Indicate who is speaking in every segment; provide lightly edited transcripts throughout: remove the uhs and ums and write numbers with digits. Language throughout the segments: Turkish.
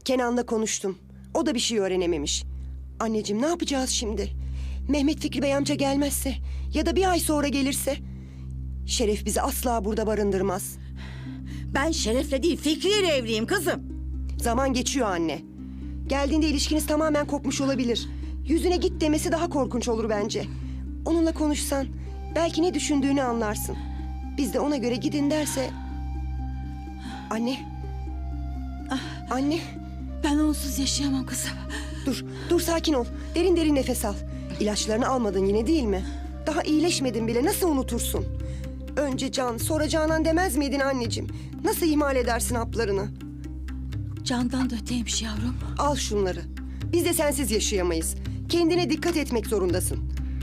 Speaker 1: Kenan'la konuştum. O da bir şey öğrenememiş. Anneciğim, ne yapacağız şimdi? Mehmet Fikri Bey amca gelmezse ya da bir ay sonra gelirse? Şeref bizi asla burada barındırmaz.
Speaker 2: Ben Şeref'le değil Fikri'yle evliyim kızım.
Speaker 1: Zaman geçiyor anne. Geldiğinde ilişkiniz tamamen kopmuş olabilir. Yüzüne git demesi daha korkunç olur bence. Onunla konuşsan belki ne düşündüğünü anlarsın. Biz de ona göre gidin derse... Anne. Anne.
Speaker 2: Ben onsuz yaşayamam kızım.
Speaker 1: Dur sakin ol. Derin derin nefes al. İlaçlarını almadın yine değil mi? Daha iyileşmedin bile, nasıl unutursun? Önce Can, sonra Canan demez miydin anneciğim? Nasıl ihmal edersin haplarını?
Speaker 2: Candan da öteymiş yavrum.
Speaker 1: Al şunları. Biz de sensiz yaşayamayız. Kendine dikkat etmek zorundasın.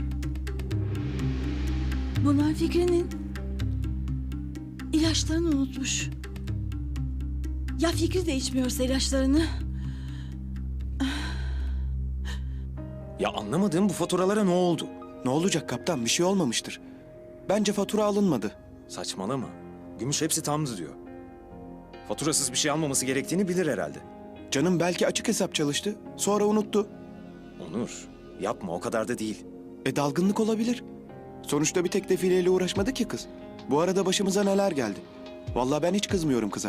Speaker 2: Bunlar Fikri'nin ilaçlarını unutmuş. Ya Fikri de içmiyorsa ilaçlarını?
Speaker 3: Ya anlamadığım bu faturalara ne oldu?
Speaker 4: Ne olacak kaptan? Bir şey olmamıştır. Bence fatura alınmadı.
Speaker 3: Saçmalama. Gümüş hepsi tamdı diyor. Faturasız bir şey almaması gerektiğini bilir herhalde.
Speaker 4: Canım belki açık hesap çalıştı. Sonra unuttu.
Speaker 3: Onur, yapma, o kadar da değil.
Speaker 4: Dalgınlık olabilir. Sonuçta bir tek defileyle uğraşmadı ki kız. Bu arada başımıza neler geldi. Vallahi ben hiç kızmıyorum kıza.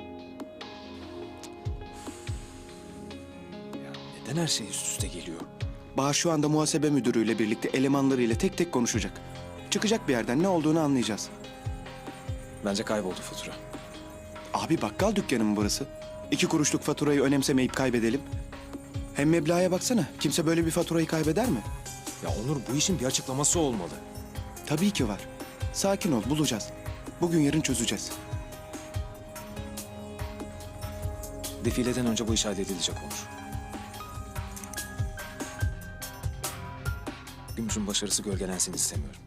Speaker 3: Ya neden her şey üst üste geliyor?
Speaker 4: Bahar şu anda muhasebe müdürüyle birlikte elemanlarıyla tek tek konuşacak. Çıkacak bir yerden ne olduğunu anlayacağız.
Speaker 3: Bence kayboldu fatura.
Speaker 4: Abi bakkal dükkanı mı burası? 2 kuruşluk faturayı önemsemeyip kaybedelim. Hem meblağa baksana. Kimse böyle bir faturayı kaybeder mi?
Speaker 3: Ya Onur, bu işin bir açıklaması olmalı.
Speaker 4: Tabii ki var. Sakin ol, bulacağız. Bugün yarın çözeceğiz.
Speaker 3: Defileden önce bu iş halledilecek Onur. Gümüş'ün başarısı gölgelensin istemiyorum.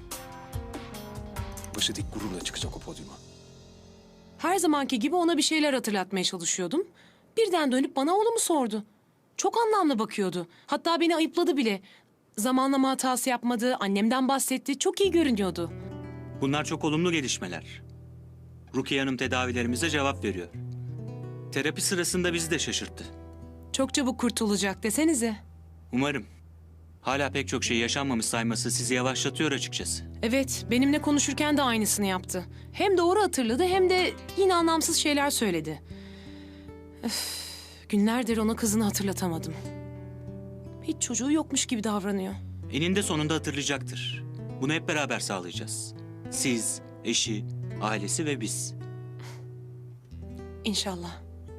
Speaker 3: Başı dik gururla çıkacak o podyuma.
Speaker 5: Her zamanki gibi ona bir şeyler hatırlatmaya çalışıyordum. Birden dönüp bana oğlumu sordu. Çok anlamlı bakıyordu. Hatta beni ayıpladı bile. Zamanlama hatası yapmadı, annemden bahsetti. Çok iyi görünüyordu.
Speaker 6: Bunlar çok olumlu gelişmeler. Rukiye Hanım tedavilerimize cevap veriyor. Terapi sırasında bizi de şaşırttı.
Speaker 5: Çok çabuk kurtulacak desenize.
Speaker 6: Umarım. Hala pek çok şey yaşanmamış sayması sizi yavaşlatıyor açıkçası.
Speaker 5: Evet, benimle konuşurken de aynısını yaptı. Hem doğru hatırladı hem de yine anlamsız şeyler söyledi. Öf, günlerdir ona kızını hatırlatamadım. Hiç çocuğu yokmuş gibi davranıyor.
Speaker 6: Eninde sonunda hatırlayacaktır. Bunu hep beraber sağlayacağız. Siz, eşi, ailesi ve biz.
Speaker 5: İnşallah.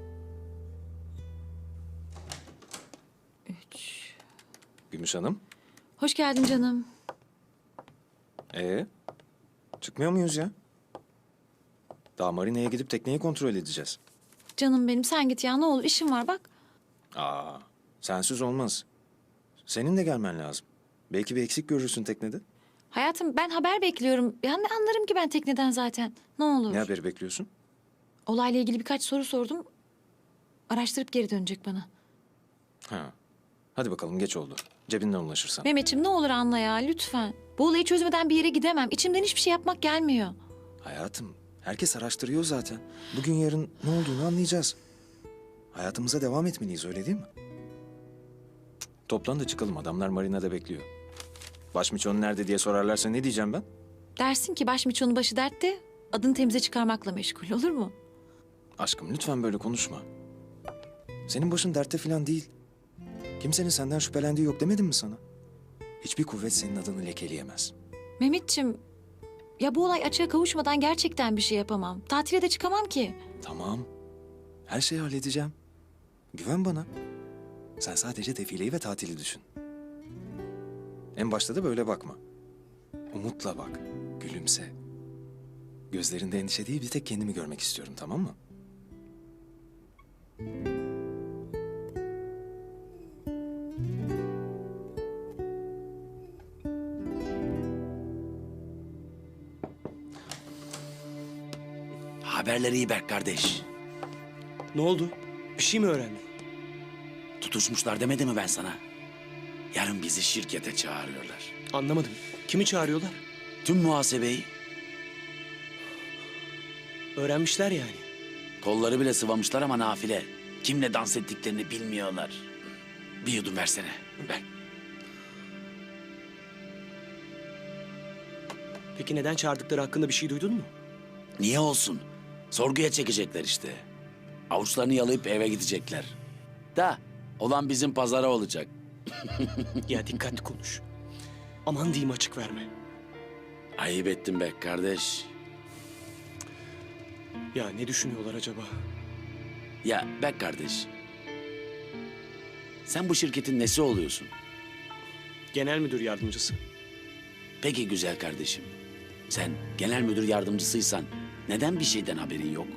Speaker 3: Gümüş Hanım,
Speaker 7: Hoş geldin canım.
Speaker 3: çıkmıyor muyuz ya? Daha marinaya gidip tekneyi kontrol edeceğiz.
Speaker 7: Canım benim sen git ya ne olur işim var bak.
Speaker 3: Aa, sensiz olmaz. Senin de gelmen lazım. Belki bir eksik görürsün teknede.
Speaker 7: Hayatım ben haber bekliyorum. Ya ne anlarım ki ben tekneden zaten. Ne olur.
Speaker 3: Ne haberi bekliyorsun?
Speaker 7: Olayla ilgili birkaç soru sordum. Araştırıp geri dönecek bana.
Speaker 3: Ha. Hadi bakalım, geç oldu. Cebinden ulaşırsan.
Speaker 7: Mehmetciğim ne olur anla ya lütfen. Bu olayı çözmeden bir yere gidemem. İçimden hiçbir şey yapmak gelmiyor.
Speaker 3: Hayatım, herkes araştırıyor zaten. Bugün yarın ne olduğunu anlayacağız. Hayatımıza devam etmeliyiz, öyle değil mi? Toplan da çıkalım, adamlar marinada bekliyor. Başmiçon nerede diye sorarlarsa ne diyeceğim ben?
Speaker 7: Dersin ki başmiçonun başı dertte, adını temize çıkarmakla meşgul olur mu?
Speaker 3: Aşkım lütfen böyle konuşma. Senin başın dertte falan değil. Kimsenin senden şüphelendiği yok demedim mi sana? Hiçbir kuvvet senin adını lekeleyemez.
Speaker 7: Mehmetciğim, ya bu olay açığa kavuşmadan gerçekten bir şey yapamam. Tatile de çıkamam ki.
Speaker 3: Tamam. Her şeyi halledeceğim. Güven bana. Sen sadece defileyi ve tatili düşün. En başta da böyle bakma. Umutla bak. Gülümse. Gözlerinde endişe değil, bir tek kendimi görmek istiyorum, tamam mı?
Speaker 8: Haberleri iyi Berk kardeş.
Speaker 9: Ne oldu? Bir şey mi öğrendin?
Speaker 8: Tutuşmuşlar demedi mi ben sana? Yarın bizi şirkete çağırıyorlar.
Speaker 9: Anlamadım. Kimi çağırıyorlar?
Speaker 8: Tüm muhasebeyi,
Speaker 9: Öğrenmişler yani.
Speaker 8: kolları bile sıvamışlar ama nafile. Kimle dans ettiklerini bilmiyorlar. Bir yudum versene. Ver.
Speaker 9: Peki neden çağırdıkları hakkında bir şey duydun mu?
Speaker 8: Niye olsun? Sorguya çekecekler işte. Avuçlarını yalayıp eve gidecekler. Da olan bizim pazara olacak.
Speaker 9: Ya dikkatli konuş. Aman diyeyim açık verme.
Speaker 8: Ayıp ettin be kardeş.
Speaker 9: Ya ne düşünüyorlar acaba?
Speaker 8: Ya be kardeş. Sen bu şirketin nesi oluyorsun?
Speaker 9: Genel müdür yardımcısı.
Speaker 8: Peki güzel kardeşim. Sen genel müdür yardımcısıysan neden bir şeyden haberin yok?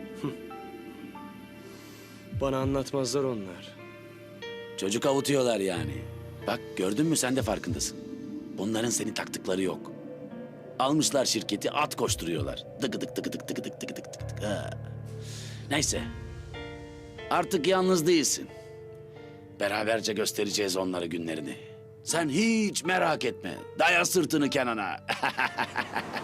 Speaker 9: Bana anlatmazlar onlar.
Speaker 8: Çocuk avutuyorlar yani. Bak gördün mü sen de farkındasın. Bunların seni taktıkları yok. Almışlar şirketi at koşturuyorlar. Tıkıdık tıkıdık tıkıdık tıkıdık tıkıdık. Ha. Neyse. Artık yalnız değilsin. Beraberce göstereceğiz onlara günlerini. Sen hiç merak etme. Daya sırtını Kenan'a.